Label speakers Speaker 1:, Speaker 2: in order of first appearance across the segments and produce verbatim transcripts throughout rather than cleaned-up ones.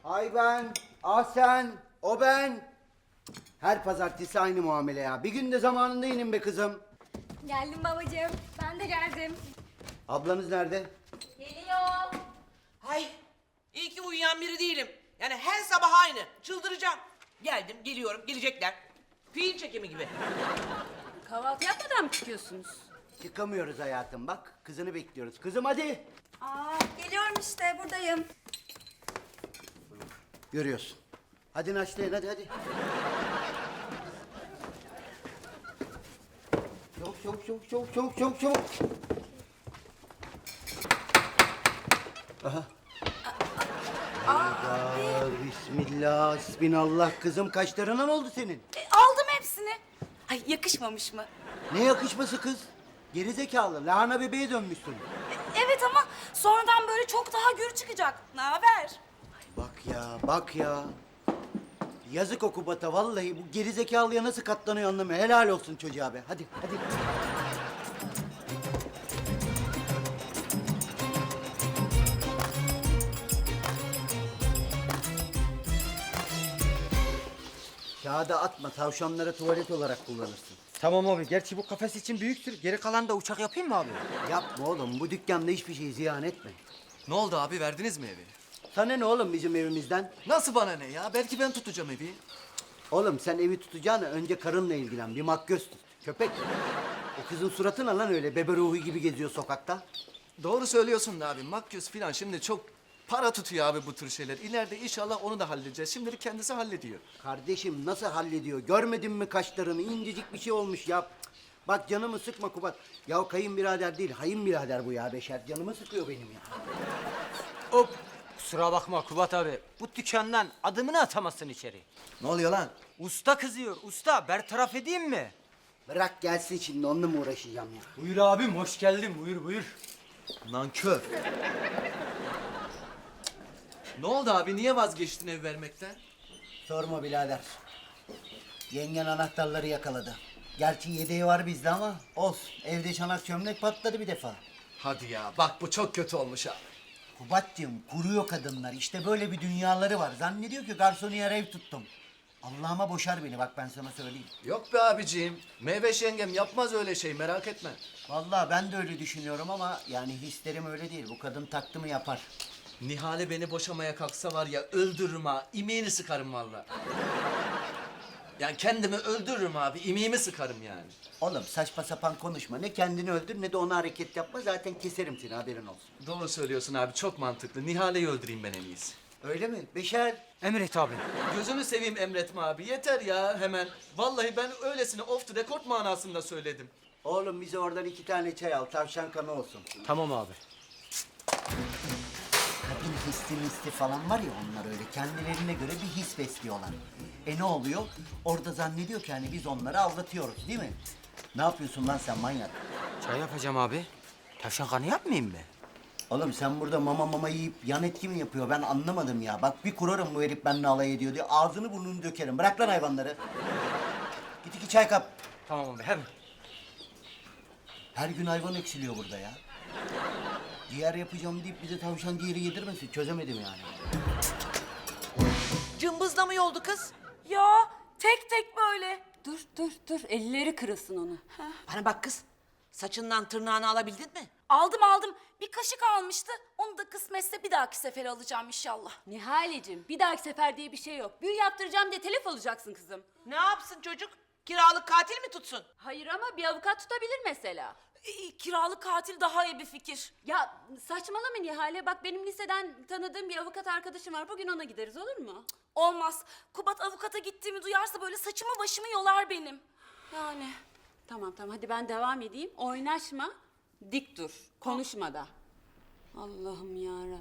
Speaker 1: Ay ben, ah sen, o ben. Her pazartesi aynı muamele ya. Bir gün de zamanında inin be kızım.
Speaker 2: Geldim babacığım. Ben de geldim.
Speaker 1: Ablanız nerede?
Speaker 2: Geliyor.
Speaker 3: Ay iyi ki uyuyan biri değilim. Yani her sabah aynı. Çıldıracağım. Geldim, geliyorum, gelecekler. Fiil çekimi gibi.
Speaker 4: Kahvaltı yapmadan mı çıkıyorsunuz?
Speaker 1: Çıkamıyoruz hayatım bak. Kızını bekliyoruz. Kızım hadi.
Speaker 2: Aa, geliyorum işte buradayım.
Speaker 1: Görüyorsun. Hadi naşlayın hadi hadi. Çabuk çabuk çabuk çabuk çabuk çabuk çabuk. Aha. Hayda, bismillah, hasbinallah. Kızım kaşlarına ne oldu senin?
Speaker 4: E, aldım hepsini. Ay yakışmamış mı?
Speaker 1: Ne yakışması kız? Gerizekalı, lahana bebeğe dönmüşsün.
Speaker 4: E, evet ama sonradan böyle çok daha gür çıkacak. Ne haber?
Speaker 1: Bak ya, bak ya. Yazık o Kubat'a vallahi bu gerizekalıya nasıl katlanıyor anlamıyor. Helal olsun çocuğa be. Hadi, hadi. Kağıda atma, tavşanlara tuvalet olarak kullanırsın.
Speaker 5: Tamam abi. Gerçi bu kafes için büyüktür. Geri kalan da uçak yapayım mı abi?
Speaker 1: Yapma oğlum, bu dükkanda hiçbir şey ziyan etme.
Speaker 6: Ne oldu abi, verdiniz mi evi?
Speaker 1: Sana ne oğlum bizim evimizden?
Speaker 6: Nasıl bana ne ya? Belki ben tutacağım evi.
Speaker 1: Oğlum sen evi tutacağına önce karınla ilgilen, bir makyöz tut. Köpek. O kızın suratı ne lan öyle, bebe ruhu gibi geziyor sokakta?
Speaker 6: Doğru söylüyorsun da abi. Makyöz falan şimdi çok para tutuyor abi bu tür şeyler. İleride inşallah onu da halledeceğiz. Şimdilik kendisi hallediyor.
Speaker 1: Kardeşim nasıl hallediyor? Görmedin mi kaşlarını? İncecik bir şey olmuş ya. Cık. Bak canımı sıkma Kubat. Ya kayınbirader değil, hayınbirader bu ya Beşer. Canımı sıkıyor benim ya.
Speaker 5: Hop. Kusura bakma Kubat abi. Bu dükkandan adımını atamazsın içeri.
Speaker 6: Ne oluyor lan?
Speaker 5: Usta kızıyor. Usta bertaraf edeyim mi?
Speaker 1: Bırak gelsin şimdi, onunla mı uğraşacağım ya?
Speaker 5: Buyur abim. Hoş geldin. Buyur buyur.
Speaker 6: Nankör. Ne oldu abi? Niye vazgeçtin ev vermekten?
Speaker 1: Sorma birader. Yengen anahtarları yakaladı. Gerçi yedeği var bizde ama olsun. Evde çanak çömlek patladı bir defa.
Speaker 6: Hadi ya. Bak bu çok kötü olmuş abi.
Speaker 1: Kubat'cığım kuruyor kadınlar. İşte böyle bir dünyaları var. Zannediyor ki garsoniyer ev tuttum. Allah'ıma boşar beni bak ben sana söyleyeyim.
Speaker 6: Yok be abiciğim. Meyveş yengem yapmaz öyle şey, merak etme.
Speaker 1: Vallahi ben de öyle düşünüyorum ama yani hislerim öyle değil. Bu kadın taktı mı yapar.
Speaker 6: Nihale beni boşamaya kalksa var ya, öldürürüm ha. İmeğini sıkarım vallahi. Yani kendimi öldürürüm abi. İmeğimi sıkarım yani.
Speaker 1: Oğlum saçma sapan konuşma. Ne kendini öldür ne de ona hareket yapma. Zaten keserim seni, haberin olsun.
Speaker 6: Doğru söylüyorsun abi. Çok mantıklı. Nihale'yi öldüreyim ben en iyisi.
Speaker 1: Öyle mi? Beşer.
Speaker 5: Emret abi.
Speaker 6: Gözünü seveyim emretme abi. Yeter ya hemen. Vallahi ben öylesine off the record manasında söyledim.
Speaker 1: Oğlum bize oradan iki tane çay al. Tavşan kanı olsun.
Speaker 5: Tamam abi.
Speaker 1: Kadın hissi misli falan var ya, onlar öyle kendilerine göre bir his besliyorlar. E ne oluyor? Orada zannediyor ki hani biz onları aldatıyoruz değil mi? Ne yapıyorsun lan sen manyak?
Speaker 5: Çay yapacağım abi. Tavşan kanı yapmayayım mı?
Speaker 1: Oğlum sen burada mama mama yiyip yan etki mi yapıyor? Ben anlamadım ya. Bak bir kurarım bu herif benimle alay ediyor diye. Ağzını burnunu dökerim. Bırak lan hayvanları. Git iki çay kap.
Speaker 5: Tamam abi hemen.
Speaker 1: Her gün hayvan eksiliyor burada ya. Ciğer yapacağım deyip bize tavşan ciğeri yedirmesin. Çözemedim yani.
Speaker 3: Cımbızla mı yoldu kız?
Speaker 4: Ya tek tek böyle. Dur dur dur elleri kırılsın onu.
Speaker 3: Bana bak kız. Saçından tırnağını alabildin mi?
Speaker 4: Aldım aldım. Bir kaşık almıştı. Onu da kısmetse bir dahaki sefer alacağım inşallah.
Speaker 7: Nihaleciğim bir dahaki sefer diye bir şey yok. Büyü yaptıracağım diye telef alacaksın kızım.
Speaker 3: Ne yapsın çocuk? Kiralık katil mi tutsun?
Speaker 7: Hayır ama bir avukat tutabilir mesela.
Speaker 4: Ee, kiralık katil daha iyi bir fikir.
Speaker 7: Ya saçmalama Nihale, bak benim liseden tanıdığım bir avukat arkadaşım var. Bugün ona gideriz, olur mu?
Speaker 4: Olmaz. Kubat avukata gittiğimi duyarsa böyle saçımı başımı yolar benim. Yani.
Speaker 7: Tamam tamam hadi ben devam edeyim. Oynaşma, dik dur, konuşma da. Allah'ım yarabbim.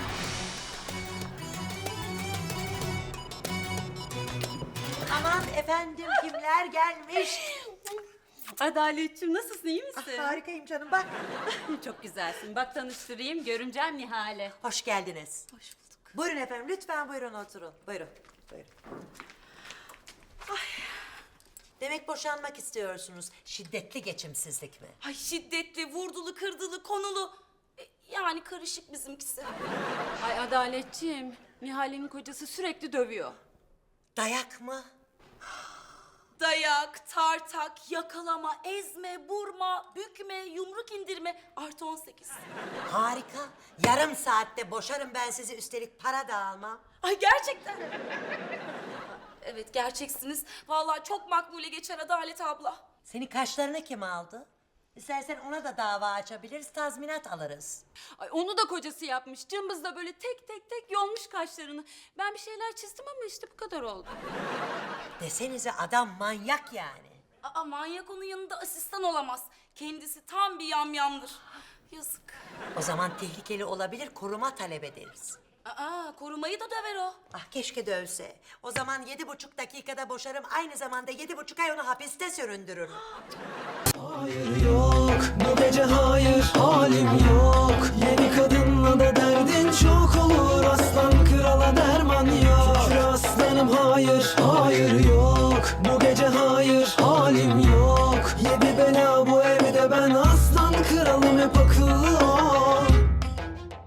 Speaker 8: Aman efendim kimler gelmiş?
Speaker 7: Adaletciğim nasılsın, iyi
Speaker 8: Ah,
Speaker 7: misin?
Speaker 8: harikayım canım bak.
Speaker 7: Çok güzelsin. Bak tanıştırayım, görümcem Nihale.
Speaker 8: Hoş geldiniz.
Speaker 7: Hoş bulduk.
Speaker 8: Buyurun efendim lütfen buyurun oturun. Buyurun. Buyurun. Ay. Demek boşanmak istiyorsunuz. Şiddetli geçimsizlik mi?
Speaker 4: Ay şiddetli, vurdulu, kırdılı, konulu. E, yani karışık bizimkisi.
Speaker 7: Ay Adaletciğim, Nihale'nin kocası sürekli dövüyor.
Speaker 8: Dayak mı?
Speaker 4: Dayak, tartak, yakalama, ezme, vurma, bükme, yumruk indirme artı on sekiz.
Speaker 8: Harika. Yarım saatte boşarım ben sizi, üstelik para da almam.
Speaker 4: Ay gerçekten. Evet gerçeksiniz. Vallahi çok makbule geçer Adalet abla.
Speaker 8: Senin kaşlarını kim aldı? İstersen ona da dava açabiliriz, tazminat alırız.
Speaker 7: Ay onu da kocası yapmış. Cımbız da böyle tek tek tek yolmuş kaşlarını. Ben bir şeyler çizdim ama işte bu kadar oldu.
Speaker 8: Desenize adam manyak yani.
Speaker 4: Aa manyak onun yanında asistan olamaz. Kendisi tam bir yamyamdır. Yazık.
Speaker 8: O zaman tehlikeli olabilir, koruma talep ederiz.
Speaker 4: Aa korumayı da döver o.
Speaker 8: Ah keşke dövse. O zaman yedi buçuk dakikada boşarım, aynı zamanda yedi buçuk ay onu hapiste süründürürüm.
Speaker 9: Hayır yok, bu gece hayır, halim yok. Yeni kadınla da derdin çok olur, aslan krala derman yok. Şükür aslanım hayır, hayır yok. Bu gece hayır, halim yok. Yedi bela bu ev